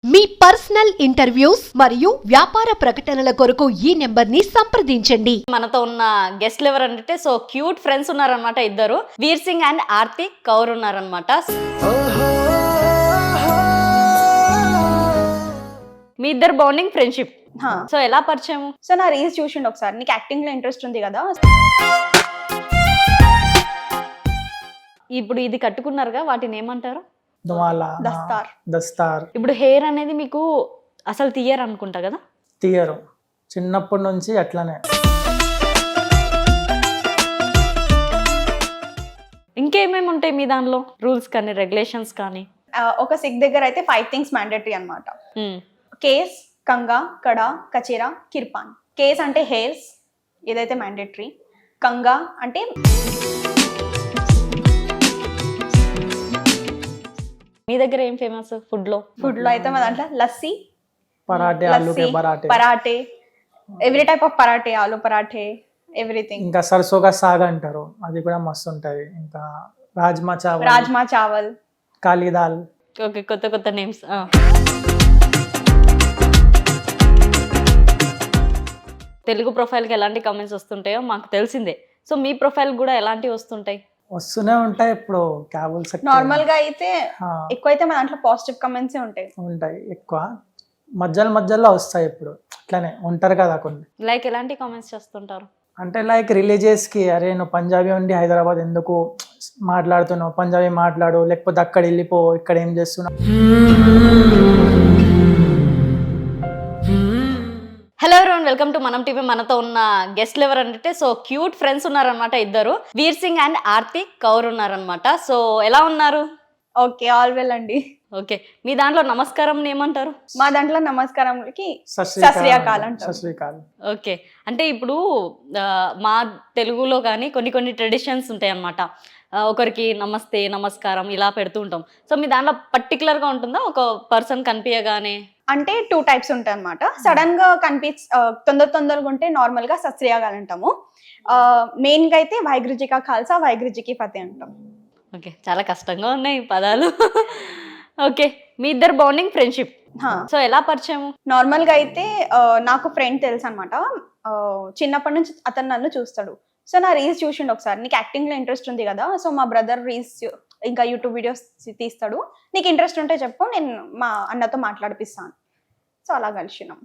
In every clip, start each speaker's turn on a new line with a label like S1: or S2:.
S1: మీ personal interviews మరియు వ్యాపార ప్రకటనల కొరకు ఈ నెంబర్ని సంప్రదించండి.
S2: మనతో ఉన్న గెస్ట్లు ఎవరంటే సో క్యూట్ ఫ్రెండ్స్ ఉన్నారనమాట. ఇద్దరు వీర్ సింగ్ అండ్ ఆర్తి కౌర్ ఉన్నారనమాట. మీ ఇద్దరు బాండింగ్ ఫ్రెండ్షిప్. సో ఎలా పరిచయం?
S3: సో నా రీల్స్ చూసిండు ఒకసారి, నీకు యాక్టింగ్ లో ఇంట్రెస్ట్ ఉంది కదా.
S2: ఇప్పుడు ఇది కట్టుకున్నారుగా, వాటిని ఏమంటారు?
S3: దస్తార్.
S2: ఇప్పుడు హెయిర్ అనేది మీకు అసలు తీయరు అనుకుంటా కదా?
S4: తీయరు, చిన్నప్పటి నుంచి అట్లనే.
S2: ఇంకేమేమి ఉంటాయి మీ దానిలో రూల్స్ కానీ రెగ్యులేషన్స్ కానీ?
S3: ఒక సిక్ దగ్గర అయితే 5 things మ్యాండేటరీ అనమాట. కేస్, కంగా, కడ, కచేరా, కిర్పాన్. కేస్ అంటే హెయిర్స్, ఏదైతే మ్యాండేటరీ. కంగా అంటే
S2: మీ దగ్గర ఏం ఫేమస్ ఫుడ్ లో
S3: అయితే మా దాంట్లో లస్సీ,
S4: పరాటే, ఆలు కే
S3: parathe, every type of parathe, aloo parathe, everything.
S4: ఇంకా సరసోగా సాగ్ అంటారు, అది కూడా మస్తు ఉంటది. ఇంకా రాజ్మా చావల్, కాళీ దాల్.
S2: ఓకే, కొత్త కొత్త నేమ్స్. తెలుగు ప్రొఫైల్కి ఎలాంటి కామెంట్స్ వస్తుంటాయో మాకు తెలిసిందే. సో మీ ప్రొఫైల్ కూడా ఎలాంటివి వస్తుంటాయి?
S4: వస్తూనే ఉంటాయి. ఇప్పుడు క్యాబుల్స్
S3: నార్మల్ గా అయితే ఎక్కువ అయితే మా దాంట్లో పాజిటివ్ కమెంట్స్
S4: ఉంటాయి. ఎక్కువ మధ్యలో వస్తాయి. ఇప్పుడు అట్లానే ఉంటారు కదా కొన్ని.
S2: లైక్ ఎలాంటి కామెంట్స్ చేస్తుంటారు?
S4: అంటే లైక్ రిలీజియస్ కి, అరే నువ్వు పంజాబీ ఉండి హైదరాబాద్ ఎందుకు మాట్లాడుతున్నావు, పంజాబీ మాట్లాడు, లేకపోతే అక్కడ వెళ్ళిపో, ఇక్కడ ఏం చేస్తున్నావు.
S2: Hello everyone, welcome to Manam TV. మనతో ఉన్న గెస్ట్లు ఎవరంటే సో క్యూట్ ఫ్రెండ్స్ ఉన్నారనమాట. ఇద్దరు వీర్ సింగ్ అండ్ ఆర్తి కౌర్ ఉన్నారనమాట. సో ఎలా ఉన్నారు?
S3: ఓకే, ఆల్ వెల్ అండి.
S2: ఓకే, మీ దాంట్లో నమస్కారం ఏమంటారు?
S3: మా దాంట్లో నమస్కారంకి
S4: సశ్రీకాల్.
S2: ఓకే, అంటే ఇప్పుడు మా తెలుగులో కానీ కొన్ని ట్రెడిషన్స్ ఉంటాయి అన్నమాట. ఒకరికి నమస్తే, నమస్కారం ఇలా పెడుతూ ఉంటాం. సో మీ దాంట్లో పర్టికులర్ గా ఉంటుందా? ఒక పర్సన్ కనిపించగానే
S3: అంటే 2 types ఉంటాయి అనమాట. సడన్ గా తొందరగా ఉంటే నార్మల్ గా సశ్రీయాగాలు అంటాము. మెయిన్ గా అయితే వైగ్రుజికా ఖాల్సా, వైగ్రుజికి ఫతే అంటాం.
S2: ఓకే, చాలా కష్టంగా ఉన్నాయి పదాలు. ఓకే, మీ ఇద్దరు బాండింగ్ ఫ్రెండ్షిప్. సో ఎలా పరిచయం?
S3: నార్మల్ గా అయితే నాకు ఫ్రెండ్ తెలుసు అనమాట. చిన్నప్పటి నుంచి అతను నన్ను చూస్తాడు. సో నా రీల్స్ చూసిండు ఒకసారి, నీకు యాక్టింగ్ లో ఇంట్రెస్ట్ ఉంది కదా. సో మా బ్రదర్ రీల్స్ ఇంకా యూట్యూబ్ వీడియోస్ తీస్తాడు, నీకు ఇంట్రెస్ట్ ఉంటే చెప్పు, నేను మా అన్నతో మాట్లాడిపిస్తాను. సో అలా కలిసినాం.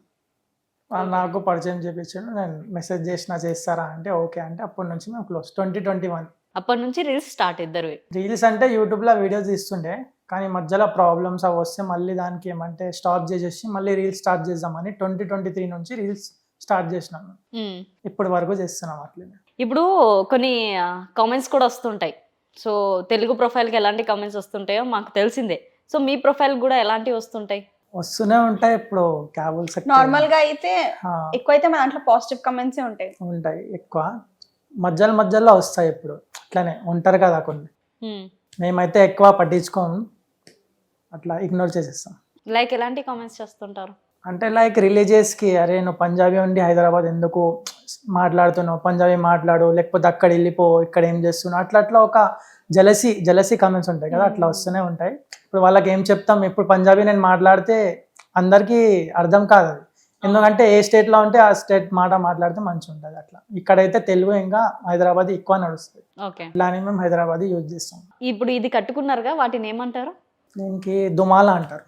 S4: నాకు పరిచయం చేపించాడు, నేను మెసేజ్ చేస్తారా అంటే ఓకే అంటే అప్పటి నుంచి మేము క్లోజ్. 2021
S2: అప్పటి నుంచి రీల్స్ స్టార్ట్. ఇద్దరు
S4: రీల్స్ అంటే యూట్యూబ్ లో వీడియోస్ తీస్తుండే, కానీ మధ్యలో ప్రాబ్లమ్స్ అవి వస్తే మళ్ళీ దానికి ఏమంటే స్టాప్ చేసేసి మళ్ళీ రీల్స్ స్టార్ట్ చేద్దామని 2023 నుంచి రీల్స్ స్టార్ట్ చేసినాము. ఇప్పటి వరకు చేస్తున్నాం అట్లనే.
S2: ఇప్పుడు కొన్ని కామెంట్స్ కూడా వస్తుంటాయి. సో తెలుగు ప్రొఫైల్కి ఎలాంటి కామెంట్స్ వస్తుంటాయో మాకు తెలిసిందే. సో మీ ప్రొఫైల్ కూడా ఎలాంటివి వస్తుంటాయి?
S4: వస్తూనే ఉంటాయి. ఇప్పుడు క్యాబుల్స్
S3: నార్మల్ గా అయితే ఎక్కువ అయితే మా దాంట్లో పాజిటివ్ కమెంట్స్
S4: ఉంటాయి. ఎక్కువ మధ్యలో వస్తాయి. ఇప్పుడు అట్లానే ఉంటారు కదా కొన్ని. మేమైతే ఎక్కువ పట్టించుకోము, అట్లా ఇగ్నోర్ చేసేస్తాం.
S2: లైక్ ఎలాంటి కామెంట్స్ చేస్తుంటారు?
S4: అంటే లైక్ రిలీజియస్ కి, అరే నువ్వు పంజాబీ ఉండి హైదరాబాద్ ఎందుకు మాట్లాడుతున్నావు, పంజాబీ మాట్లాడు, లేకపోతే అక్కడ వెళ్ళిపో, ఇక్కడ ఏం చేస్తున్నావు, అట్లా ఒక జలసీ కామెంట్స్ ఉంటాయి కదా, అట్లా వస్తూనే ఉంటాయి. ఇప్పుడు వాళ్ళకి ఏం చెప్తాం, ఇప్పుడు పంజాబీ నేను మాట్లాడితే అందరికీ అర్థం కాదు అది. ఎందుకంటే ఏ స్టేట్ లో ఉంటే ఆ స్టేట్ మాట్లాడితే మంచిగా ఉంటుంది. అట్లా ఇక్కడైతే తెలుగు ఇంకా హైదరాబాద్ ఎక్కువ నడుస్తుంది. ఇలానే మేము హైదరాబాద్ యూజ్ చేస్తాం.
S2: ఇప్పుడు ఇది కట్టుకున్నారుగా, వాటిని ఏమంటారు?
S4: దీనికి దుమాలా అంటారు.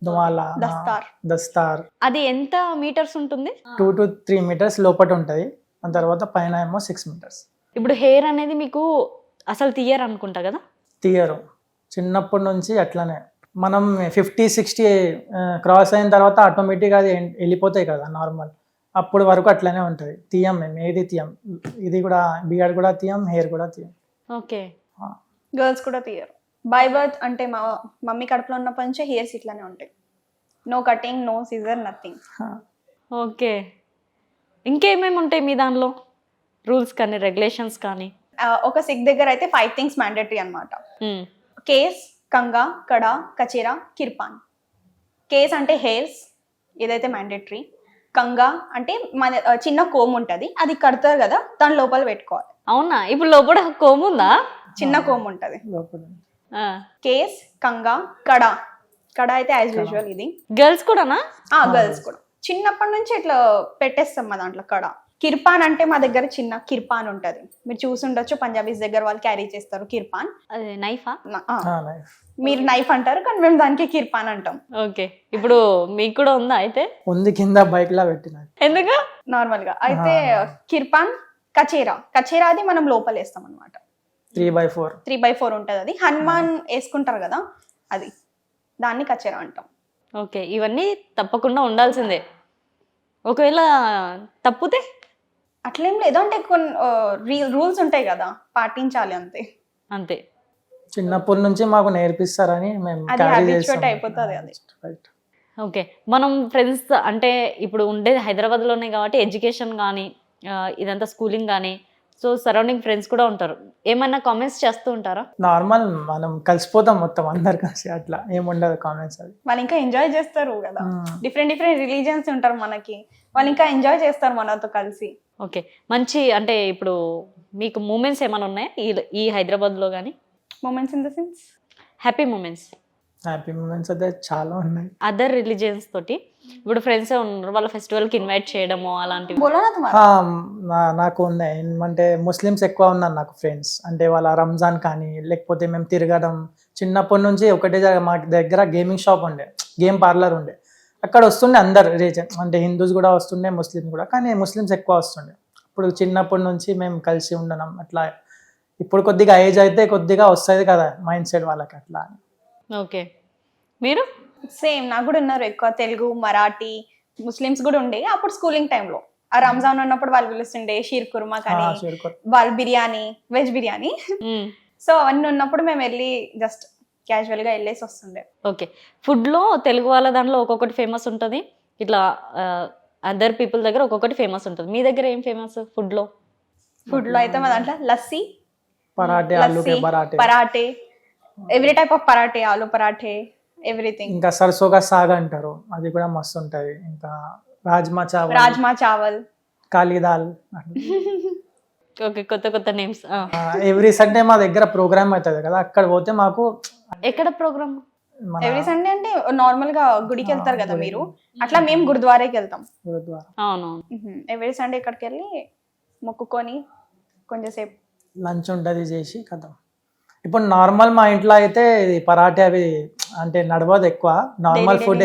S4: దస్తార్.
S2: అది ఎంత మీటర్స్ ఉంటుంది?
S4: 2 to 3 meters లోపల ఉంటుంది. దాని తర్వాత పైన ఏమో 6 meters.
S2: ఇప్పుడు హెయిర్ అనేది మీకు అసలు తీయరు అనుకుంటా కదా?
S4: తీయరు, చిన్నప్పటి నుంచి అట్లనే. మనం 50-60 క్రాస్ అయిన తర్వాత ఆటోమేటిక్గా అది వెళ్ళిపోతాయి కదా నార్మల్. అప్పుడు వరకు అట్లనే ఉంటుంది. తీయం, మేము ఏది తీయం. ఇది కూడా బియర్డ్ కూడా తీయం, హెయిర్ కూడా తీయం.
S2: ఓకే,
S3: గర్ల్స్ కూడా తీయరు. బై బర్త్ అంటే మా మమ్మీ కడుపులో ఉన్నప్పటి నుంచే హెయిర్స్ ఇట్లానే ఉంటాయి. No cutting, no scissor, nothing.
S2: Okay, ఇంకేమేమి ఉంటాయి మీ దానిలో రూల్స్ కానీ రెగ్యులేషన్స్ కానీ?
S3: ఒక సిక్ దగ్గర అయితే 5 things మ్యాండేటరీ అనమాట. కేస్, కంగా, కడ, కచేరా, కిర్పాన్. కేస్ అంటే హెయిర్స్, ఏదైతే మ్యాండేటరీ. కంగా అంటే మన చిన్న కోమ్ ఉంటుంది, అది కడతారు కదా, దాని లోపల పెట్టుకోవాలి.
S2: అవునా? ఇప్పుడు లోపల కోమ్ ఉందా?
S3: చిన్న కోమ్ ఉంటుంది. కేస్, కంగా, కడ, కడ అయితే యాజ్ యూజువల్ ఇది.
S2: గర్ల్స్ కూడానా?
S3: గర్ల్స్ కూడా చిన్నప్పటి నుంచి ఇట్లా పెట్టేస్తాం మా దాంట్లో కడ. కిర్పాన్ అంటే మా దగ్గర చిన్న కిర్పాన్ ఉంటది, మీరు చూసి ఉండొచ్చు, పంజాబీస్ దగ్గర వాళ్ళు క్యారీ చేస్తారు కిర్పాన్.
S2: అదే నైఫా?
S4: నైఫ్
S3: మీరు నైఫ్ అంటారు కానీ మేము దానికి కిర్పాన్ అంటాం.
S2: ఓకే, ఇప్పుడు మీకు కూడా ఉందా అయితే?
S4: ఉంది, కింద బైక్ లా పెట్టిన.
S2: ఎందుకు?
S3: నార్మల్ గా అయితే కిర్పాన్, కచేరా. కచేరా అది మనం లోపల వేస్తాం అనమాట.
S4: 3x4
S3: 3x4 ఉంటది, అది హనుమాన్ వేసుకుంటారు కదా, అది దాన్ని కచేరా అంటాం.
S2: ఓకే, ఇవన్నీ తప్పకుండా ఉండాల్సిందే. ఒకవేళ తప్పితే
S3: అట్లేం లేదు, అంటే కొన్ని రూల్స్ ఉంటాయి కదా, పాటించాలి అంతే.
S2: అంతే.
S4: చిన్నప్పటి నుంచి మాకు నేర్పిస్తారని మేము
S3: అది
S4: క్యారీ
S3: habituate
S4: చేస్తాం.
S3: అయిపోతుంది అది.
S4: Right.
S2: ఓకే, మనం ఫ్రెండ్స్ అంటే ఇప్పుడు ఉండేది హైదరాబాద్లోనే కాబట్టి ఎడ్యుకేషన్ కానీ ఇదంతా స్కూలింగ్ కానీ, సో సరౌండింగ్ ఫ్రెండ్స్ కూడా ఉంటారు. ఏమైనా కామెంట్స్ చేస్తూ ఉంటారా?
S4: నార్మల్, మనం కలిసిపోతాం మొత్తం అందరు కలిసి, అట్లా ఏముండదు కామెంట్స్. అది
S3: వాళ్ళు ఇంకా ఎంజాయ్ చేస్తారు కదా, డిఫరెంట్ డిఫరెంట్ రిలీజియన్స్ ఉంటారు మనకి, వాళ్ళు ఇంకా ఎంజాయ్ చేస్తారు మనతో కలిసి.
S2: ఓకే, మంచి అంటే ఇప్పుడు మీకు మూమెంట్స్ ఏమైనా ఉన్నాయా ఈ హైదరాబాద్లో కానీ?
S3: Moments in the sense
S2: happy moments?
S4: Happy moments అయితే చాలా ఉన్నాయి.
S2: అదర్ రిలీజియన్స్ తోటి ఇప్పుడు ఫ్రెండ్సే ఉన్నారు, వాళ్ళ ఫెస్టివల్కి ఇన్వైట్ చేయడము అలాంటివి?
S3: బోలో నా తుమారా.
S4: నాకు ఉన్నాయి, ఏమంటే ముస్లిమ్స్ ఎక్కువ ఉన్నారు నాకు ఫ్రెండ్స్. అంటే వాళ్ళ రంజాన్ కానీ, లేకపోతే మేము తిరగడం, చిన్నప్పటి నుంచి ఒకటే మా దగ్గర గేమింగ్ షాప్ ఉండే, గేమ్ పార్లర్ ఉండే, అక్కడ వస్తుండే అందరు రీజన్, అంటే హిందూస్ కూడా వస్తుండే, ముస్లిమ్స్ కూడా, కానీ ముస్లిమ్స్ ఎక్కువ వస్తుండే. ఇప్పుడు చిన్నప్పటి నుంచి మేము కలిసి ఉండడం అట్లా. ఇప్పుడు కొద్దిగా ఏజ్ అయితే కొద్దిగా వస్తుంది కదా మైండ్ సెట్ వాళ్ళకి, అట్లా.
S2: ఓకే, మీరు?
S3: సేమ్, నాకు కూడా ఉన్నారు ఎక్కువ తెలుగు, మరాఠీ, ముస్లిమ్స్ కూడా ఉండే. అప్పుడు స్కూలింగ్ టైంలో ఆ రంజాన్ ఉన్నప్పుడు వాళ్ళు పిలుస్తుండే షీర్ కుర్మా కానీ, వాళ్ళు బిర్యానీ, వెజ్ బిర్యానీ. సో అవన్నీ ఉన్నప్పుడు మేము వెళ్ళి జస్ట్ క్యాజువల్ గా వెళ్ళేసి వస్తుండే.
S2: ఓకే, ఫుడ్లో తెలుగు వాళ్ళ దాంట్లో ఒక్కొక్కటి ఫేమస్ ఉంటుంది, ఇట్లా అదర్ పీపుల్ దగ్గర ఒక్కొక్కటి ఫేమస్ ఉంటుంది. మీ దగ్గర ఏం ఫేమస్ ఫుడ్లో?
S3: ఫుడ్ లో అయితే మా దాంట్లో లస్సీ,
S4: పరాటే, ఆలు కే parathe,
S3: parathe, every type of parathe, aloo parathe, everything.
S4: ఇంకా సర్సోగా సాగ్ అంటారు, అది కూడా మస్తు ఉంటది. ఇంకా
S3: రాజ్మా చావల్,
S4: కాళీ దాల్.
S2: ఓకే, కొత్త కొత్త నేమ్స్.
S4: ఎవ్రీ సండే మా దగ్గర ప్రోగ్రామ్ అవుతుంది కదా, అక్కడ పోతే మాకు.
S2: ఎక్కడ ప్రోగ్రామ్?
S3: ఎవ్రీ సండే అంటే నార్మల్ గా గుడికి వెళ్తారు కదా మీరు, అట్లా మేము గురుద్వారాకి వెళ్తాం.
S2: అవునవును.
S3: ఎవ్రీ సండే ఇక్కడికి వెళ్ళి మొక్కుకొని కొంచెంసేపు
S4: లంచ్ ఉంటుంది చేసి కదా. ఇప్పుడు నార్మల్ మా ఇంట్లో అయితే ఇది పరాటే అవి అంటే నడవదు ఎక్కువ, నార్మల్ ఫుడ్.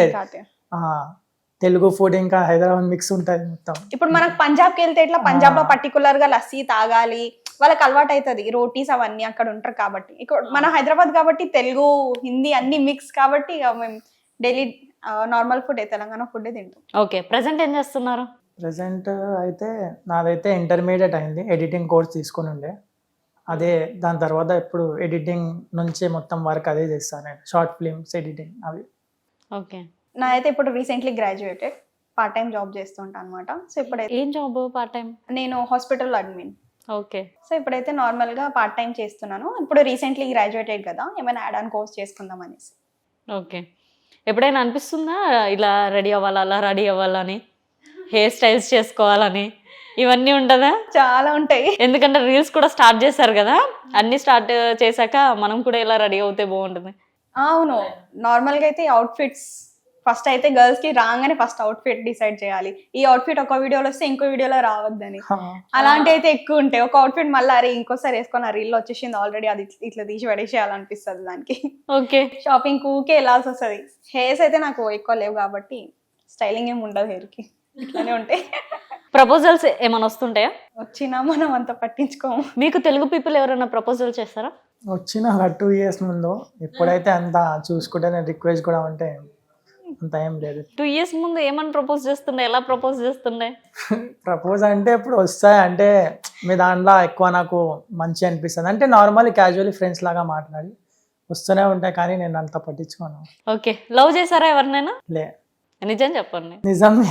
S4: తెలుగు ఫుడ్ ఇంకా హైదరాబాద్ మిక్స్ ఉంటుంది మొత్తం.
S3: ఇప్పుడు మనకు పంజాబ్కి వెళ్తే ఇట్లా పంజాబ్ లో పర్టికులర్ గా లస్సీ తాగాలి, వాళ్ళకి అలవాటు అవుతుంది, రోటీస్ అవన్నీ అక్కడ ఉంటారు కాబట్టి. ఇక్కడ మన హైదరాబాద్ కాబట్టి తెలుగు హిందీ అన్ని మిక్స్ కాబట్టి ఇక మేము daily normal food Telangana food తింటాం.
S2: ఓకే, ప్రెసెంట్ ఏం చేస్తున్నారు?
S4: ప్రెసెంట్ అయితే నాదైతే ఇంటర్మీడియట్ అయింది, ఎడిటింగ్ కోర్స్ తీసుకొని ఉండే, అదే దాని తర్వాత ఇప్పుడు ఎడిటింగ్ నుంచే మొత్తం వర్క్ అదే చేస్తాను నేను, షార్ట్ ఫిల్మ్స్ ఎడిటింగ్ అవి.
S2: ఓకే,
S3: నాదైతే ఇప్పుడు recently graduated, part time job చేస్తుంటా అనమాట. సో ఇప్పుడైతే
S2: ఏం జాబ్ పార్ట్ టైం?
S3: నేను హాస్పిటల్ అడ్మిన్.
S2: ఓకే,
S3: సో ఇప్పుడైతే నార్మల్ గా పార్ట్ టైం చేస్తున్నాను. ఇప్పుడు రీసెంట్లీ గ్రాడ్యుయేటెడ్ కదా, ఏమైనా యాడ్ ఆన్ కోర్స్ చేసుకుందాం అనేసి.
S2: ఓకే, ఎప్పుడైనా అనిపిస్తుందా ఇలా రెడీ అవ్వాలా, అలా రెడీ అవ్వాలని, హెయిర్ స్టైల్స్ చేసుకోవాలని, ఇవన్నీ ఉంటుందా?
S3: చాలా ఉంటాయి,
S2: ఎందుకంటే రీల్స్ కూడా స్టార్ట్ చేశారు కదా, అన్ని స్టార్ట్ చేశాక మనం కూడా ఇలా రెడీ అవుతే బాగుంటుంది.
S3: అవును, నార్మల్ గా అయితే అవుట్ఫిట్స్ ఫస్ట్ అయితే గర్ల్స్ కి రాగానే ఫస్ట్ అవుట్ఫిట్ డిసైడ్ చేయాలి. ఈ అవుట్ఫిట్ ఒక వీడియోలో వస్తే ఇంకో వీడియోలో రావద్దని, అలాంటి అయితే ఎక్కువ ఉంటాయి. ఒక అవుట్ఫిట్ మళ్ళీ అరే ఇంకోసారి వేసుకొని ఆ రీల్ వచ్చేసింది ఆల్రెడీ, అది ఇట్లా తీసి పడేసేయాలనిపిస్తుంది దానికి.
S2: ఓకే,
S3: షాపింగ్ ఊకే వెళ్ళాల్సి వస్తుంది. హెయిర్స్ అయితే నాకు ఎక్కువ లేవు కాబట్టి స్టైలింగ్ ఏమి ఉండదు, హెయిర్ కి ఇట్లానే ఉంటాయి.
S2: ప్రపోజల్స్ ఏమైనా వస్తుంటాయా?
S3: వచ్చినా మనం అంత పట్టించుకోము.
S2: మీకు తెలుగు పీపుల్ ఎవరైనా ప్రపోజల్ చేస్తారా?
S4: వచ్చిన 2 years ముందు, ఇప్పుడైతే అంత చూసుకుంటే నేను రిక్వెస్ట్ కూడా ఉంటే అంత ఏం లేదు.
S2: 2 years ముందు ఏమని ప్రపోజ్ చేస్తుండే, ఎలా ప్రపోజ్ చేస్తుండే?
S4: ప్రపోజ్ అంటే ఇప్పుడు వస్తాయి, అంటే మీ దాంట్లో ఎక్కువ నాకు మంచి అనిపిస్తుంది అంటే నార్మల్ క్యాజువల్లీ ఫ్రెండ్స్ లాగా మాట్లాడి వస్తూనే ఉంటాయి, కానీ నేను అంత పట్టించుకోను.
S2: ఓకే, లవ్ చేశారా ఎవరినైనా?
S4: లే,
S2: నిజం చెప్పండి.
S4: నిజమే.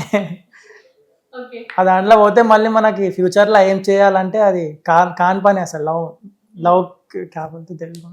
S4: ఆ దాంట్లో పోతే మళ్ళీ మనకి ఫ్యూచర్లో ఏం చేయాలంటే అది కాని పని అసలు. లవ్ కాకపోతే తెలుగు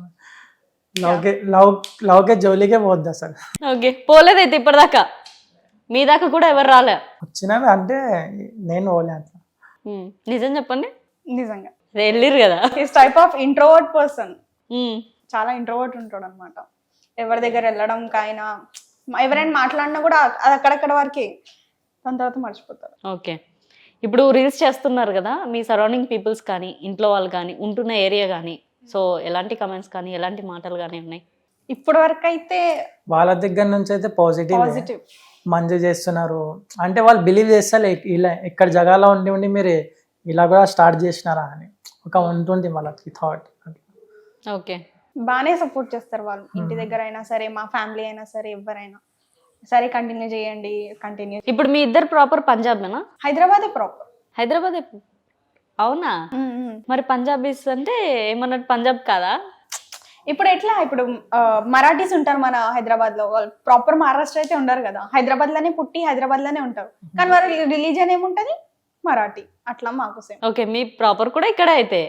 S4: లవ్కే జోలికే పోద్ది అసలు.
S2: ఓకే, పోలేదైతే ఇప్పటిదాకా? మీ దాకా కూడా ఎవరు రాలే?
S4: వచ్చినవి అంటే నేను పోలే అట్లా.
S2: నిజం చెప్పండి.
S3: నిజంగా
S2: వెళ్ళిరు కదా.
S3: His type of introvert person, చాలా ఇంట్రోవర్ట్ ఉంటాడు అనమాట. ఎవరి దగ్గర వెళ్ళడం కాయినా ఎవరైనా మాట్లాడినా కూడా అది అక్కడక్కడ వరకే, దాని తర్వాత మర్చిపోతారు.
S2: ఓకే, ఇప్పుడు రీల్స్ చేస్తున్నారు కదా, మీ సరౌండింగ్ పీపుల్స్ కానీ ఇంట్లో వాళ్ళు కానీ ఉంటున్న ఏరియా కానీ, సో ఎలాంటి కమెంట్స్ కానీ ఎలాంటి మాటలు కానీ ఉన్నాయి?
S3: ఇప్పటి వరకు అయితే
S4: వాళ్ళ దగ్గర నుంచి అయితే పాజిటివ్
S3: పాజిటివ్.
S4: మంచి చేస్తున్నారు అంటే వాళ్ళు బిలీవ్ చేస్తారు ఇలా ఇక్కడ జగాలో ఉండి మీరు ఇలా కూడా స్టార్ట్ చేసినారా అని ఒక ఉంటుంది వాళ్ళకి థాట్.
S2: ఓకే,
S3: బాగానే సపోర్ట్ చేస్తారు వాళ్ళు, ఇంటి దగ్గర అయినా సరే, మా ఫ్యామిలీ అయినా సరే, ఎవరైనా సరే కంటిన్యూ చేయండి కంటిన్యూ.
S2: ఇప్పుడు మీ ఇద్దరు ప్రాపర్ పంజాబేనా?
S3: హైదరాబాదే ప్రాపర్.
S2: హైదరాబాద్. అవునా? మరి పంజాబీస్ అంటే ఏమన్నట్టు పంజాబ్ కాదా?
S3: ఇప్పుడు ఎట్లా, ఇప్పుడు మరాఠీస్ ఉంటారు మన హైదరాబాద్ లో, వాళ్ళు ప్రాపర్ మహారాష్ట్ర అయితే ఉండరు కదా, హైదరాబాద్ లోనే పుట్టి హైదరాబాద్ లోనే ఉంటారు, కానీ వాళ్ళ రిలీజన్ ఏముంటది మరాఠీ, అట్లా మాకు సేమ్.
S2: ఓకే, మీ ప్రాపర్ కూడా ఇక్కడే అయితే?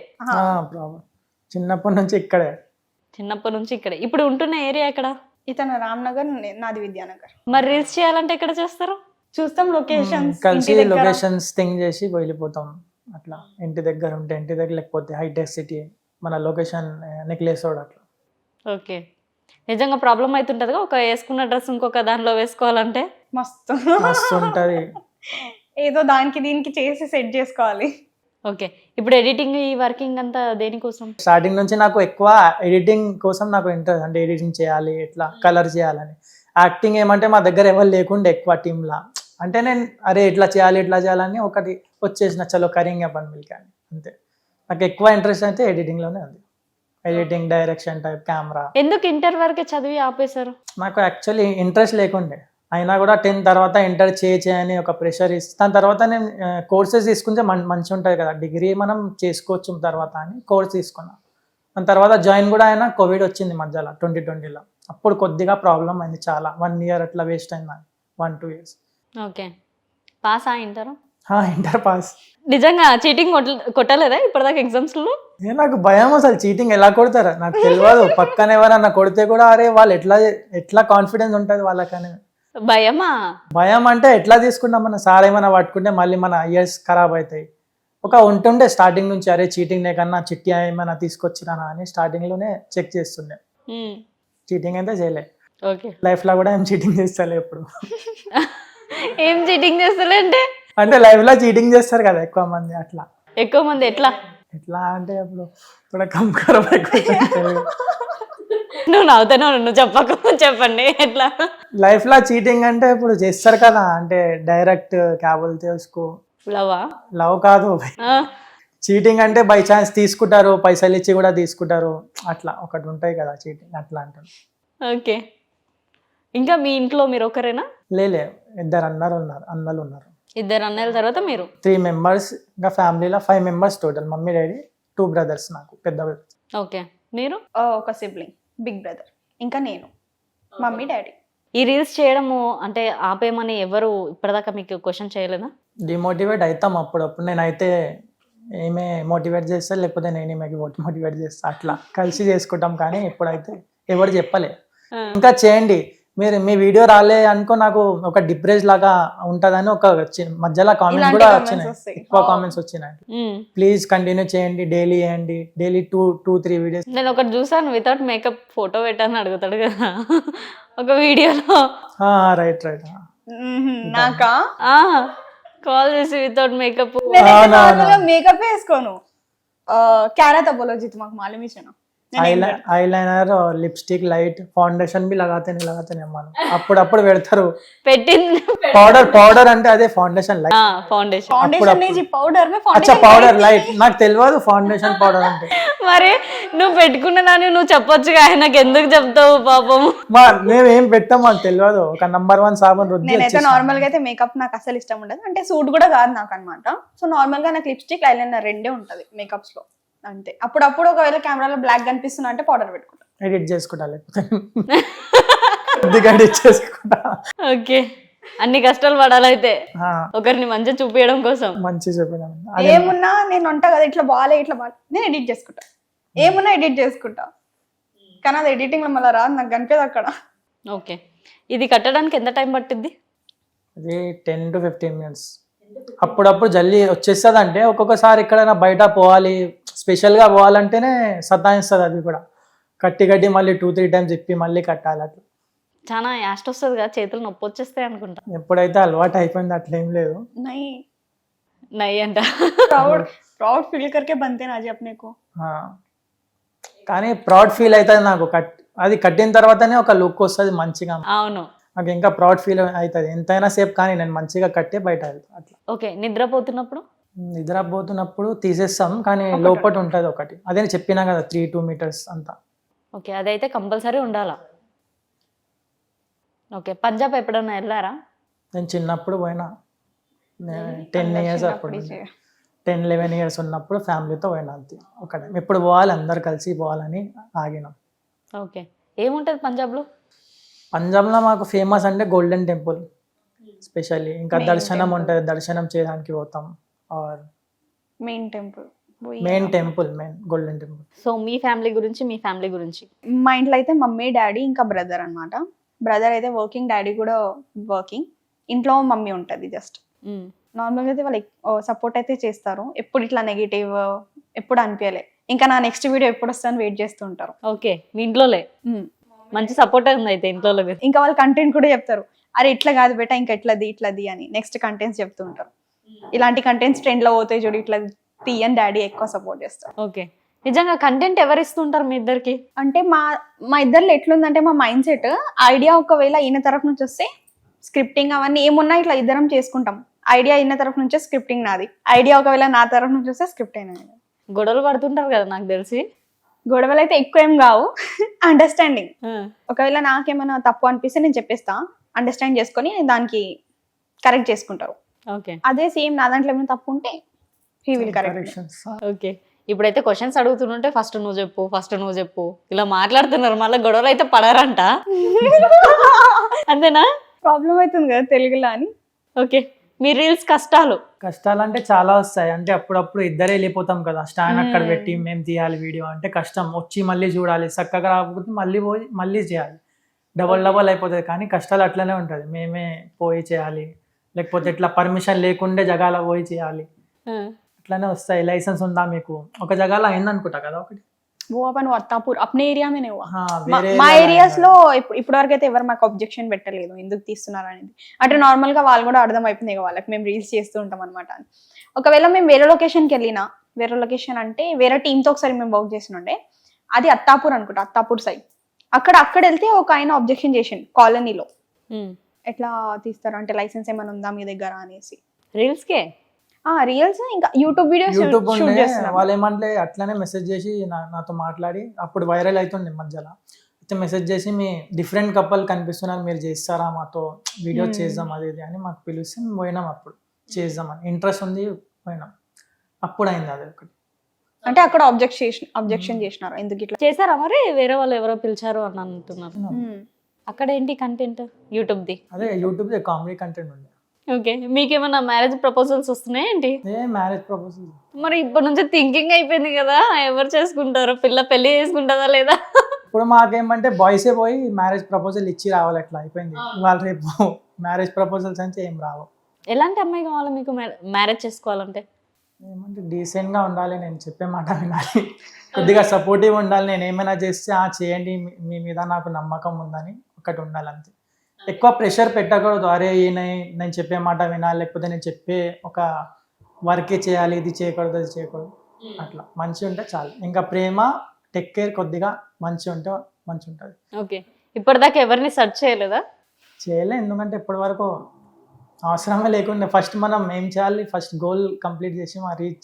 S4: చిన్నప్పటి నుంచి ఇక్కడే.
S2: చిన్నప్పటి నుంచి ఇక్కడే. ఇప్పుడు ఉంటున్న ఏరియా ఎక్కడ?
S3: ఇతను రామ్నగర్, నాది విద్యానగర్.
S2: మరి రీల్స్ చేయాలంటే ఎక్కడ చేస్తారు?
S3: చూస్తాం లొకేషన్స్,
S4: కలిసి లొకేషన్స్ థింక్ చేసి వెళ్ళిపోతాం అట్లా. ఇంటి దగ్గర ఉంటే ఇంటి దగ్గర, లేకపోతే హైటెక్ సిటీ మన లొకేషన్ నెక్లెస్ రోడ్ అట్లా.
S2: ఓకే, నిజంగా ప్రాబ్లం అవుతుంటది ఒక వేసుకున్న డ్రెస్ ఇంకొక దానిలో వేసుకోవాలంటే?
S3: మస్తు
S4: మస్తు ఉంటది.
S3: ఏదో దానికి దీనికి చేసి సెట్ చేసుకోవాలి.
S2: ఓకే, ఇప్పుడు ఎడిటింగ్ ఈ వర్కింగ్ అంతా దేనికోసం?
S4: స్టార్టింగ్ నుంచి నాకు ఎక్కువ ఎడిటింగ్ కోసం నాకు ఇంట్రెస్ట్, అంటే ఎడిటింగ్ చేయాలి, ఎట్లా కలర్ చేయాలని. యాక్టింగ్ ఏమంటే మా దగ్గర ఎవరు లేకుండే ఎక్కువ టీంలా, అంటే నేను అరే ఇట్లా చేయాలని ఒకటి వచ్చేసిన చలో కరింగ్ పని మిల్ కానీ అంతే. నాకు ఎక్కువ ఇంట్రెస్ట్ అయితే ఎడిటింగ్లోనే ఉంది, ఎడిటింగ్, డైరెక్షన్ టైప్, కెమెరా.
S2: ఎందుకు ఇంటర్ వరకే చదివి ఆపేశారు?
S4: నాకు యాక్చువల్లీ ఇంట్రెస్ట్ లేకుండే, అయినా కూడా 10th తర్వాత ఇంటర్ చేయని ఒక ప్రెషర్ ఇస్తే, దాని తర్వాత నేను కోర్సెస్ తీసుకుంటే మంచిగా ఉంటుంది కదా, డిగ్రీ మనం చేసుకోవచ్చు తర్వాత అని కోర్స్ తీసుకున్నా. దాని తర్వాత జాయిన్ కూడా అయినా కోవిడ్ వచ్చింది మధ్యలో 2020లో, అప్పుడు కొద్దిగా ప్రాబ్లం అయింది చాలా, 1 year అట్లా వేస్ట్ అయింది, 1-2 years.
S2: Okay, pass inter?
S4: Inter pass.
S2: నిజంగా చీటింగ్ కొట్టలేదా ఇప్పటిదాకా ఎగ్జామ్స్లో?
S4: నాకు భయం అసలు, చీటింగ్ ఎలా కొడతారా నాకు తెలియదు. పక్కన ఎవరన్నా కొడితే కూడా అరే వాళ్ళు ఎట్లా కాన్ఫిడెన్స్ ఉంటుంది వాళ్ళకని.
S2: భయమా?
S4: భయం అంటే ఎట్లా తీసుకుంటాం, మన సార్ ఏమైనా పట్టుకుంటే మళ్ళీ మన ఇయర్స్ ఖరాబ్ అవుతాయి. ఒక ఉంటుండే స్టార్టింగ్ నుంచి, అరే చీటింగ్ లేకన్నా చిట్టి ఏమైనా తీసుకొచ్చినా అని స్టార్టింగ్లోనే చెక్ చేస్తుండే. చీటింగ్ అయితే చేయలే.
S2: ఓకే,
S4: లైఫ్లో కూడా ఏం చీటింగ్ చేస్తలే ఎప్పుడు.
S2: ఏం చీటింగ్ చేస్తలే
S4: అంటే లైఫ్లో చీటింగ్ చేస్తారు కదా ఎక్కువ మంది, అట్లా.
S2: ఎక్కువ మంది ఎట్లా
S4: అంటే అప్పుడు ఇప్పుడు కంకరం
S2: నువ్వు నవ్వుతాను, నువ్వు చెప్పండి ఎట్లా.
S4: లైఫ్ లో చీటింగ్ అంటే ఇప్పుడు చేస్తారు కదా, అంటే డైరెక్ట్ క్యాబుల్ తెలుసుకో. లవ్ కాదు, చీటింగ్ అంటే బై ఛాన్స్ తీసుకుంటారు, పైసలు ఇచ్చి కూడా తీసుకుంటారు, అట్లా ఒకటి ఉంటాయి కదా చీటింగ్, అట్లా అంటారు.
S2: ఓకే, ఇంకా మీ ఇంట్లో మీరు ఒకరేనా?
S4: లేలే, 2 అన్నలు ఉన్నారు.
S2: 2 అన్నల తర్వాత మీరు
S4: 3 members. ఇంకా ఫ్యామిలీలో 5 members total, mummy daddy, 2 brothers నాకు పెద్ద.
S2: ఓకే, మీరు?
S3: ఒక సిబ్లింగ్, బిగ్ బ్రదర్, ఇంకా నేను, మమ్మీ డాడీ.
S2: ఈ రీల్స్ చేయడము అంటే ఆపేయమని ఎవరు ఇప్పటిదాకా మీకు క్వశ్చన్ చేయలేదా?
S4: డిమోటివేట్ అవుతాం అప్పుడప్పుడు, నేనైతే ఏమే మోటివేట్ చేస్తా, లేకపోతే నేను మోటివేట్ చేస్తా, అట్లా కలిసి చేసుకుంటాం. కానీ ఇప్పుడైతే ఎవరు చెప్పలే ఇంకా చేయండి మీరు, మీ వీడియో రాలే అనుకో నాకు ఒక డిప్రెస్ లాగా ఉంటుందని ఒక మధ్యలో కామెంట్స్ కూడా వచ్చినాయి, ఎక్కువ కామెంట్స్ వచ్చినాయి. ప్లీజ్ కంటిన్యూ చేయండి, డైలీ చేయండి, డైలీ 2-3 వీడియోస్.
S2: నేను ఒకటి చూసాను, వితౌట్ మేకప్ ఫోటో పెట్టాలని అడుగుతాడు కదా ఒక వీడియోలో.
S4: రైట్
S3: నాకా
S2: కాల్ చేసి వితౌట్ మేకప్.
S3: మేకప్ వేసుకోను, क्या तपोलॉजी మాకు मालूम ही
S4: ఐలైనర్, లిప్స్టిక్, లైట్, ఫౌండేషన్ भी लगाते नहीं మనం అప్పుడప్పుడు పెడతారు.
S2: పెట్టింది
S4: పౌడర్ అంటే అదే ఫౌండేషన్, లైట్. పౌడర్ లైట్ నాకు తెలియదు ఫౌండేషన్ పౌడర్ అంటే.
S2: మరి నువ్వు పెట్టుకున్న దాన్ని నువ్వు చెప్పొచ్చు కానీ నాకు ఎందుకు చెప్తావు పాపం.
S4: మేమేం పెట్టాం మాకు తెలియదు, ఒక నంబర్ 1 సాబన్ రుద్ది.
S3: నేనైతే నార్మల్ గా అయితే మేకప్ నాకు అసలు ఇష్టం ఉండదు, అంటే సూట్ కూడా కాదు నాకు అనమాట. సో నార్మల్ గా నాకు లిప్స్టిక్, ఐలైనర్ రెండే ఉంటది మేకప్స్ లో అంతే. అప్పుడప్పుడు ఒకవేళ కెమెరాలో బ్లాక్ కనిపిస్తున్నా అంటే పౌడర్ పెట్టుకుంటా,
S4: ఎడిట్ చేసుకుంటా, లేకపోతే ఎడిట్ చేసుకుంటా.
S2: ఓకే, అన్ని కష్టాలు పడాలైతే ఒకరిని మంచిగా చూపించడం కోసం.
S4: మంచి చూపించడం
S3: ఏమున్నా నేను ఉంటా కదా, ఇట్లా బాలే నేను ఎడిట్ చేసుకుంటా, ఏమున్నా ఎడిట్ చేసుకుంటా. కానీ అది ఎడిటింగ్ లో మళ్ళీ రాదు, నాకు కనిపేది అక్కడ.
S2: ఓకే, ఇది కట్టడానికి ఎంత టైం పట్టింది?
S4: అది 10 to 15 minutes. అప్పుడప్పుడు జల్దీ వచ్చేస్తుంది, అంటే ఒక్కొక్కసారి ఎక్కడైనా బయట పోవాలి, స్పెషల్గా పోవాలంటేనే సతాయిస్తుంది అది కూడా. కట్టి మళ్ళీ 2-3 టైమ్స్ ఇప్పి మళ్ళీ కట్టాలి అట్లా.
S2: చాలా యాస్ట్ వస్తుంది కదా, చేతులు నొప్పి వచ్చేస్తాయి అనుకుంటా.
S4: ఎప్పుడైతే అలవాటు అయిపోయింది అట్లేం లేదు.
S3: नहीं
S2: నై అంట.
S3: प्राउड प्राउड फील करके बनते ना जी अपने को.
S4: ఆ. కానీ ప్రౌడ్ ఫీల్ అవుతుంది నాకు అది కట్టిన తర్వాతనే ఒక లుక్ వస్తుంది మంచిగా.
S2: అవును.
S4: నాకు ఇంకా ప్రౌడ్ ఫీల్ అవుతుంది ఎంతైనా సేపు, కానీ నేను మంచిగా కట్టే బయట వెళ్తాను అట్లా.
S2: ఓకే, నిద్రపోతున్నప్పుడు
S4: నిద్రపోతున్నప్పుడు తీసేస్తాం, కానీ లోపల ఉంటుంది ఒకటి, అదే నేను చెప్పినా కదా 3-2 మీటర్స్ అంతా.
S2: ఓకే, అదైతే కంపల్సరీ ఉండాలా. ఓకే, పంజాబ్ ఎప్పుడన్నా వెళ్ళారా?
S4: నేను చిన్నప్పుడు పోయినా, 10 ఇయర్స్ అప్పుడు, 10-11 ఇయర్స్ ఉన్నప్పుడు ఫ్యామిలీతో పోయినా అంతే ఒకటే. ఎప్పుడు పోవాలి, అందరు కలిసి పోవాలని ఆగినాం.
S2: ఓకే, ఏముంటుంది పంజాబ్లో?
S4: పంజాబ్లో మాకు ఫేమస్ అంటే గోల్డెన్ టెంపుల్ స్పెషల్లీ, ఇంకా
S3: Main
S4: దర్శనం
S3: temple.
S4: ఉంటుంది, దర్శనం చేయడానికి పోతాం. Or
S3: main temple
S4: main temple, main golden temple.
S2: So మీ ఫ్యామిలీ గురించి, మీ ఫ్యామిలీ గురించి.
S3: మా ఇంట్లో అయితే మమ్మీ డాడీ ఇంకా బ్రదర్ అన్నమాట. బ్రదర్ అయితే వర్కింగ్, డాడీ కూడా వర్కింగ్. ఇంట్లో మమ్మీ ఉంటుంది జస్ట్.
S2: మ్మ్.
S3: నార్మల్గా అయితే వాళ్ళు సపోర్ట్ అయితే చేస్తారు. ఎప్పుడు ఇట్లా నెగిటివ్ ఎప్పుడు అనిపించలే. ఇంకా నా నెక్స్ట్ వీడియో ఎప్పుడు వస్తుందని వెయిట్ చేస్తూ ఉంటారు.
S2: ఓకే, మీ ఇంట్లోలే మంచి సపోర్ట్ ఉంది అయితే ఇంట్లో.
S3: ఇంకా వాళ్ళు కంటెంట్ కూడా చెప్తారు, అరే ఇట్లా కాదు బేటా, ఇంకా ఇట్లది అని నెక్స్ట్ కంటెంట్స్ చెప్తూ ఉంటారు. ఇలాంటి కంటెంట్స్ ట్రెండ్ లో పోతాయి చూడు, ఇట్లా తీయని డాడీ ఎక్కువ సపోర్ట్ చేస్తారు.
S2: ఓకే, నిజంగా కంటెంట్ ఎవరు ఇస్తుంటారు మీ ఇద్దరికి?
S3: అంటే మా ఇద్దరిలో ఎట్లుందంటే, మా మైండ్ సెట్ ఐడియా ఒకవేళ ఈయన తరఫు నుంచి వస్తే స్క్రిప్టింగ్ అవన్నీ ఏమున్నా ఇట్లా ఇద్దరం చేసుకుంటాం. ఐడియా ఈయన తరఫు నుంచే, స్క్రిప్టింగ్ నాది. ఐడియా ఒకవేళ నా తరఫు నుంచి వస్తే స్క్రిప్ట్ అయినా.
S2: గొడవలు పడుతుంటారు కదా నాకు తెలిసి.
S3: గొడవలు అయితే ఎక్కువ ఏం కావు, అండర్స్టాండింగ్.
S2: ఆ,
S3: ఒకవేళ నాకేమైనా తప్పు అనిపిస్తే నేను చెప్పేస్తా, అండర్స్టాండ్ చేసుకొని దానికి కరెక్ట్ చేసుకుంటారు.
S2: ఓకే
S3: అదే సేమ్ నా దాంట్లో ఏమైనా తప్పు ఉంటే he will correct.
S4: Corrections.
S2: Okay, ఇప్పుడైతే క్వశ్చన్స్ అడుగుతుంటే ఫస్ట్ నువ్వు చెప్పు ఇలా మాట్లాడుతున్నారు. మళ్ళీ గొడవలు అయితే పడారంట, అంతేనా?
S3: ప్రాబ్లం అవుతుంది కదా తెలుగులో అని.
S2: ఓకే, మీ రీల్స్ కష్టాలు.
S4: కష్టాలు అంటే చాలా వస్తాయి. అంటే అప్పుడప్పుడు ఇద్దరే వెళ్ళిపోతాం కదా, స్టాండ్ అక్కడ పెట్టి మేము తీయాలి వీడియో అంటే కష్టం. వచ్చి మళ్ళీ చూడాలి, చక్కగా రాకపోతే మళ్ళీ పోయి మళ్ళీ చేయాలి, డబల్ అయిపోతుంది. కానీ కష్టాలు అట్లనే ఉంటుంది. మేమే పోయి చేయాలి, లేకపోతే ఇట్లా పర్మిషన్ లేకుండే జగాలో పోయి చేయాలి,
S2: ఆ,
S4: అట్లానే వస్తాయి. లైసెన్స్ ఉందా మీకు? ఒక జగాలో అయిందనుకుంటా కదా ఒకటి.
S3: वो अपन अत्तापुर अपने एरिया में नहीं हुआ.
S4: వేరే
S3: మా
S4: area
S3: ఏరియాస్ లో ఇప్పటి వరకు అయితే ఎవరు మాకు అబ్జెక్షన్ పెట్టలేదు ఎందుకు తీస్తున్నారు అనేది. అంటే నార్మల్ గా వాళ్ళు కూడా అర్థం అయిపోయింది కదా వాళ్ళకి, మేము రీల్స్ చేస్తూ ఉంటాం అనమాట. ఒకవేళ మేము వేరే లొకేషన్కి వెళ్ళినా, వేరే లొకేషన్ అంటే వేరే టీంతో ఒకసారి మేము వర్క్ చేస్తుండే, అది అత్తాపూర్ అనుకుంటా, అత్తాపూర్ సైడ్. అక్కడ వెళ్తే ఒక ఆయన అబ్జెక్షన్ చేసిండు కాలనీలో,
S2: ఉమ్.
S3: ఎట్లా తీస్తారు అంటే లైసెన్స్ ఏమైనా ఉందా మీ దగ్గర అనేసి.
S2: రీల్స్కే
S3: రీల్స్ ఇంకా యూట్యూబ్ వీడియోస్
S4: యూట్యూబ్
S3: షూట్
S4: ఉండే,
S3: చేస్తున్నాం.
S4: వాళ్ళు ఏమంటే అట్లనే మెసేజ్ చేసి నాతో మాట్లాడి, అప్పుడు వైరల్ అవుతుండే మధ్యలో అయితే మెసేజ్ చేసి, మీ డిఫరెంట్ కపుల్ కనిపిస్తున్నారు, మీరు చేస్తారా మాతో వీడియో చేద్దాం అది ఇది అని మాకు పిలిస్తే మేము పోయినాం. అప్పుడు చేద్దామని ఇంట్రెస్ట్ ఉంది, పోయినాం. అప్పుడు అయింది అది ఒకటి.
S3: అంటే అక్కడ అబ్జెక్షన్ చేసినారు ఎందుకు ఇట్లా.
S2: చేశారా మరి? వేరే వాళ్ళు ఎవరో పిలిచారు అని అంటున్నారు.
S3: Hmm.
S2: అక్కడ ఏంటి కంటెంట్? యూట్యూబ్ది.
S4: అదే యూట్యూబ్ కామెడీ కంటెంట్ ఉండే.
S2: ఓకే, మీకేమన్నా మ్యారేజ్ ప్రపోజల్స్ వస్తున్నాయి ఏంటి?
S4: మ్యారేజ్ ప్రపోజల్
S2: మరి ఇప్పటి నుంచి థింకింగ్ అయిపోయింది కదా, ఎవరు చేసుకుంటారు, పెళ్లి చేసుకుంటారా లేదా?
S4: ఇప్పుడు మాకేమంటే బాయ్సే పోయి మ్యారేజ్ ప్రపోజల్ ఇచ్చి రావాలి, అట్లా అయిపోయింది. వాళ్ళు రేపు మ్యారేజ్ ప్రపోజల్స్ అంటే ఏం రావు.
S2: ఎలాంటి అమ్మాయి కావాలి మీకు మ్యారేజ్ చేసుకోవాలంటే?
S4: ఏమంటే డీసెంట్గా ఉండాలి, నేను చెప్పే మాట వినాలి, కొద్దిగా సపోర్టివ్ ఉండాలి. నేను ఏమైనా చేస్తే చేయండి, మీ మీద నాకు నమ్మకం ఉందని ఒకటి ఉండాలి అంతే. ఎక్కువ ప్రెషర్ పెట్టకూడదు, అరే నేను చెప్పే మాట వినాలి, లేకపోతే నేను చెప్పే ఒక వర్కే చేయాలి, ఇది చేయకూడదు అది చేయకూడదు, అట్లా మంచిగా ఉంటే చాలు. ఇంకా ప్రేమ, టేక్ కేర్, కొద్దిగా మంచిగా ఉంటే మంచి ఉంటుంది.
S2: ఓకే, ఇప్పటిదాకా ఎవరిని సెర్చ్ చేయలేదా?
S4: చేయలే, ఎందుకంటే ఇప్పటి వరకు అవసరమే లేకుండా ఫస్ట్ మనం ఏం చేయాలి, ఫస్ట్ గోల్ కంప్లీట్ చేసి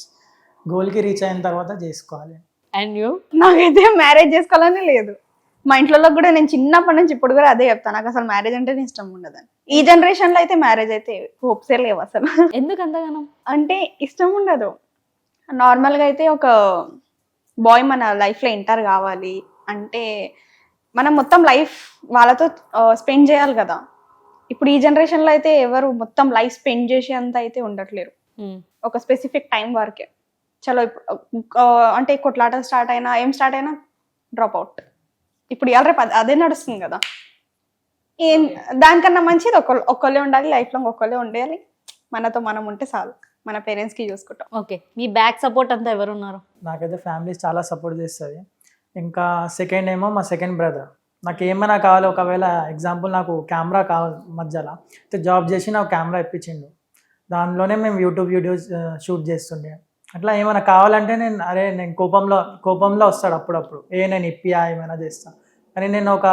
S4: గోల్కి రీచ్ అయిన తర్వాత చేసుకోవాలి.
S2: And you?
S3: నాకైతే మ్యారేజ్ చేసుకోవాలని లేదు. మా ఇంట్లో కూడా నేను చిన్నప్పటి నుంచి ఇప్పుడు కూడా అదే చెప్తాను, నాకు అసలు మ్యారేజ్ అంటే ఇష్టం ఉండదని. ఈ జనరేషన్ లో అయితే మ్యారేజ్ అయితే హోప్సే లేవు అసలు.
S2: ఎందుకు అంతగానం?
S3: అంటే ఇష్టం ఉండదు. నార్మల్ గా అయితే ఒక బాయ్ మన లైఫ్ లో ఎంటర్ కావాలి అంటే మనం మొత్తం లైఫ్ వాళ్ళతో స్పెండ్ చేయాలి కదా. ఇప్పుడు ఈ జనరేషన్ లో అయితే ఎవరు మొత్తం లైఫ్ స్పెండ్ చేసే అంత అయితే ఉండట్లేరు. ఒక స్పెసిఫిక్ టైం వరకే చలో. ఇప్పుడు అంటే కొట్లాటలు స్టార్ట్ అయినా డ్రాప్ అవుట్. ఇప్పుడు ఇవాళ రేపు అదే నడుస్తుంది కదా. దానికన్నా మంచిది ఒక్కళ్ళే ఉండాలి, లైఫ్ లాంగ్ ఒక్కళ్ళే ఉండాలి, మనతో మనం ఉంటే చాలు, మన పేరెంట్స్ కి చూసుకుంటాం.
S2: ఓకే, మీ బ్యాక్ సపోర్ట్ అంతా ఎవరు ఉన్నారు?
S4: నాకైతే ఫ్యామిలీ చాలా సపోర్ట్ చేస్తుంది. ఇంకా సెకండ్ ఏమో మా సెకండ్ బ్రదర్. నాకు ఏమైనా కావాలి, ఒకవేళ ఎగ్జాంపుల్ నాకు కెమెరా కావాలి మధ్యలో, అయితే జాబ్ చేసి నాకు కెమెరా ఇప్పించిండు. దానిలోనే మేము యూట్యూబ్ వీడియోస్ షూట్ చేస్తుండే. అట్లా ఏమైనా కావాలంటే నేను కోపంలో వస్తాడు అప్పుడప్పుడు, నేను ఇప్పియా ఏమైనా చేస్తా. కానీ నేను ఒక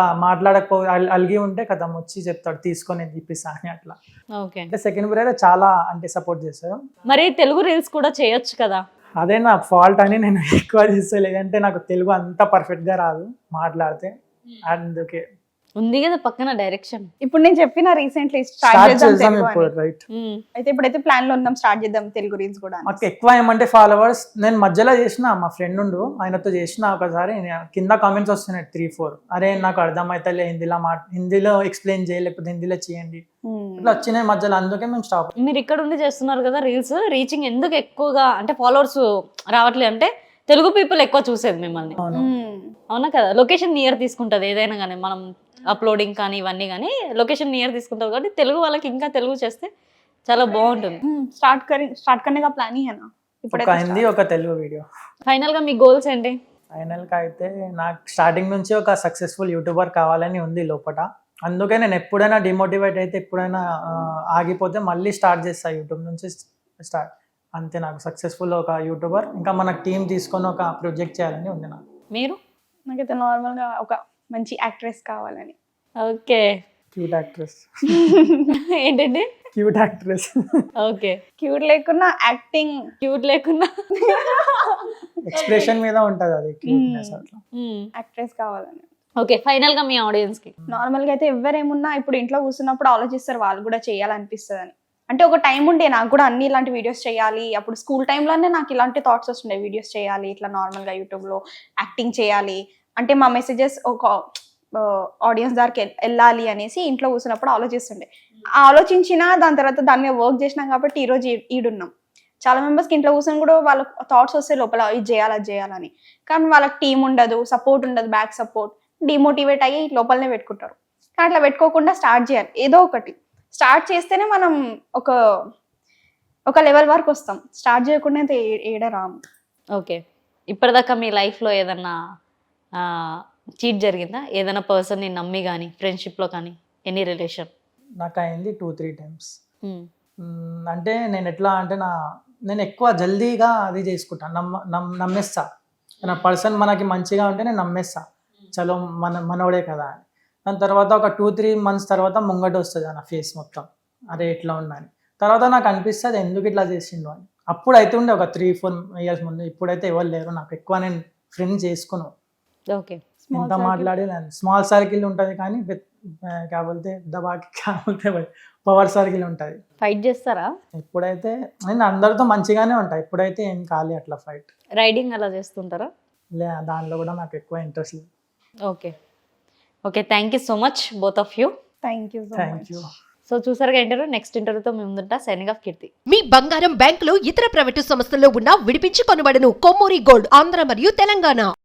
S4: అలిగి ఉంటే కథం వచ్చి చెప్తాడు తీసుకొని నేను ఇప్పిస్తా అని. అట్లా
S2: ఓకే.
S4: అంటే సెకండ్ బ్రదర్ చాలా అంటే సపోర్ట్ చేస్తారు.
S2: మరి తెలుగు రీల్స్ కూడా చేయొచ్చు కదా?
S4: అదే నా ఫాల్ట్ అని నేను ఎక్కువ చేస్తా, లేదంటే నాకు తెలుగు అంత పర్ఫెక్ట్గా రాదు మాట్లాడితే. అందుకే
S2: ఉంది కదా పక్కన డైరెక్షన్.
S3: ఇప్పుడు నేను చెప్పిన రీసెంట్లీ స్టార్ట్
S4: స్టార్ట్
S3: చేద్దాం
S4: చేద్దాం
S3: తెలుగు
S4: ఇప్పుడు
S3: అని.
S4: రైట్.
S3: అయితే ఇప్పుడైతే ప్లాన్ లో ఉన్నాం స్టార్ట్ చేద్దాం తెలుగు రీల్స్ కూడా అని.
S4: మాకు ఎక్కువ ఏమంటే ఫాలోవర్స్ నేను మధ్యలో చేసిన, మా ఫ్రెండ్ ఉండు ఆయనతో చేసిన ఒకసారి, కింద కామెంట్స్ వస్తున్నాయి 3-4, అరే నాకు అర్థమవుతలే హిందీలో ఎక్స్ప్లెయిన్ చేయలేకపోతే హిందీలో చేయండి, ఇట్లా వచ్చినాయి మధ్యలో. అందుకే మేము స్టాప్.
S2: మీరు ఇక్కడ ఉండి చేస్తున్నారు కదా రీల్స్, రీచింగ్ ఎందుకు ఎక్కువగా అంటే ఫాలోవర్స్ రావట్లేదు అంటే తెలుగు పీపుల్ ఎక్కువ చూసేది మిమ్మల్ని.
S4: అవును.
S2: అవునా కదా? లొకేషన్ నియర్ తీసుకుంటుంది ఏదైనా కానీ, మనం అప్లోడింగ్ కానీ ఇవన్నీ కానీ లొకేషన్ నియర్ తీసుకుంటుంది కాబట్టి తెలుగు వాళ్ళకి ఇంకా తెలుగు చేస్తే చాలా బాగుంటుంది.
S3: స్టార్ట్ करने का प्लान ही है ना
S4: ఒక
S3: ఇప్పుడైతే
S4: హిందీ ఒక తెలుగు వీడియో.
S2: ఫైనల్ గా మీ గోల్స్ ఏంటి?
S4: ఫైనల్గా అయితే నాకు స్టార్టింగ్ నుంచి ఒక సక్సెస్ఫుల్ యూట్యూబర్ కావాలని ఉంది లోపల. అందుకే నేను ఎప్పుడైనా డిమోటివేట్ అయితే, ఎప్పుడైనా ఆగిపోతే మళ్ళీ స్టార్ట్ చేస్తా యూట్యూబ్ నుంచి స్టార్ట్. అంతే, నాకు సక్సెస్ఫుల్ ఒక యూట్యూబర్, ఇంకా మన టీం తీసుకొని ఒక ప్రొజెక్ట్ చేయాలని ఉంది నాకు.
S2: మీరు?
S3: నాకైతే నార్మల్ గా ఒక మంచి యాక్ట్రెస్ కావాలని.
S2: ఓకే.
S4: Cute actress.
S2: ఏంటండి?
S4: Cute actress.
S2: ఓకే.
S3: క్యూట్ లేకున్నా యాక్టింగ్
S2: క్యూట్ లేకుండా
S4: ఎక్స్ప్రెషన్ మీద ఉంటది అది క్యూట్నెస్ అట్లా.
S3: యాక్ట్రెస్ కావాలని.
S2: ఓకే. ఫైనల్ గా మీ ఆడియన్స్ కి
S3: నార్మల్ గా అయితే ఎవరేమున్నా ఇప్పుడు ఇంట్లో కూర్చున్నప్పుడు ఆలోచిస్తారు వాళ్ళు కూడా చేయాలనిపిస్తుంది అని. అంటే ఒక టైం ఉండే నాకు కూడా అన్ని ఇలాంటి వీడియోస్ చేయాలి, అప్పుడు స్కూల్ టైంలోనే నాకు ఇలాంటి థాట్స్ వస్తుండే, వీడియోస్ చేయాలి ఇట్లా నార్మల్గా యూట్యూబ్లో యాక్టింగ్ చేయాలి అంటే మా మెసేజెస్ ఒక ఆడియన్స్ దానికి వెళ్ళాలి అనేసి ఇంట్లో కూర్చున్నప్పుడు ఆలోచిస్తుండే. ఆలోచించిన దాని తర్వాత దాని మీద వర్క్ చేసినాం కాబట్టి ఈరోజు ఈడున్నాం. చాలా మెంబర్స్కి ఇంట్లో కూర్చొని కూడా వాళ్ళ థాట్స్ వస్తే లోపల ఇది చేయాలి అది చేయాలని, కానీ వాళ్ళకి టీం ఉండదు, సపోర్ట్ ఉండదు, బ్యాక్ సపోర్ట్, డిమోటివేట్ అయ్యి లోపలనే పెట్టుకుంటారు. కానీ అట్లా పెట్టుకోకుండా స్టార్ట్ చేయాలి, ఏదో ఒకటి స్టార్ట్ చేస్తేనే మనం ఒక లెవెల్ వరకు వస్తాం. స్టార్ట్ చేయకుండా అయితే ఏడ రాము.
S2: ఓకే. ఇప్పటిదాకా మీ లైఫ్లో ఏదన్నా చీట్ జరిగిందా? ఏదైనా పర్సన్ని నమ్మి కానీ, ఫ్రెండ్షిప్లో కానీ, ఎనీ రిలేషన్?
S4: నాకు అయింది 2-3 టైమ్స్. అంటే నేను ఎట్లా అంటే నేను ఎక్కువ జల్దీగా అది చేసుకుంటాను, నమ్మేస్తా. నా పర్సన్ మనకి మంచిగా ఉంటే నేను నమ్మేస్తా, చలో మనోడే కదా అని. దాని తర్వాత ఒక 2-3 months తర్వాత ముంగట వస్తుంది నా ఫేస్ మొత్తం, అరే ఎట్లా ఉన్నాను. తర్వాత నాకు అనిపిస్తుంది ఎందుకు ఇట్లా చేసిండు అని. అప్పుడు అయితే ఉండే ఒక 3-4 years ముందు, ఇప్పుడైతే ఎవరు లేరు నాకు. ఎక్కువ నేను ఫ్రెండ్స్ చేసుకున్నాను.
S2: ఓకే.
S4: ఎంత మాట్లాడి స్మాల్ సర్కిల్ ఉంటుంది కానీ కాకపోతే దబాకి కాకపోతే పవర్ సర్కిల్ ఉంటుంది.
S2: ఫైట్ చేస్తారా?
S4: ఇప్పుడైతే నేను అందరితో మంచిగానే ఉంటాయి, ఇప్పుడైతే ఏం కాలే అట్లా ఫైట్.
S2: రైడింగ్ అలా చేస్తుంటారా?
S4: దానిలో కూడా నాకు ఎక్కువ ఇంట్రెస్ట్ లేదు.
S2: Okay. Okay. Thank you so much both of you.
S3: Thank you.
S2: So చూసారుగా ఇంటర్వ్యూ. నెక్స్ట్ ఇంటర్వ్యూతో మేము ముందుంటా. సైనింగ్ ఆఫ్ కీర్తి.
S1: మీ బంగారం బ్యాంకులో ఇతర ప్రైవేటు సంస్థల్లో ఉన్న విడిపించి కొనబడను. కొమ్మూరి గోల్డ్, ఆంధ్ర మరియు తెలంగాణ.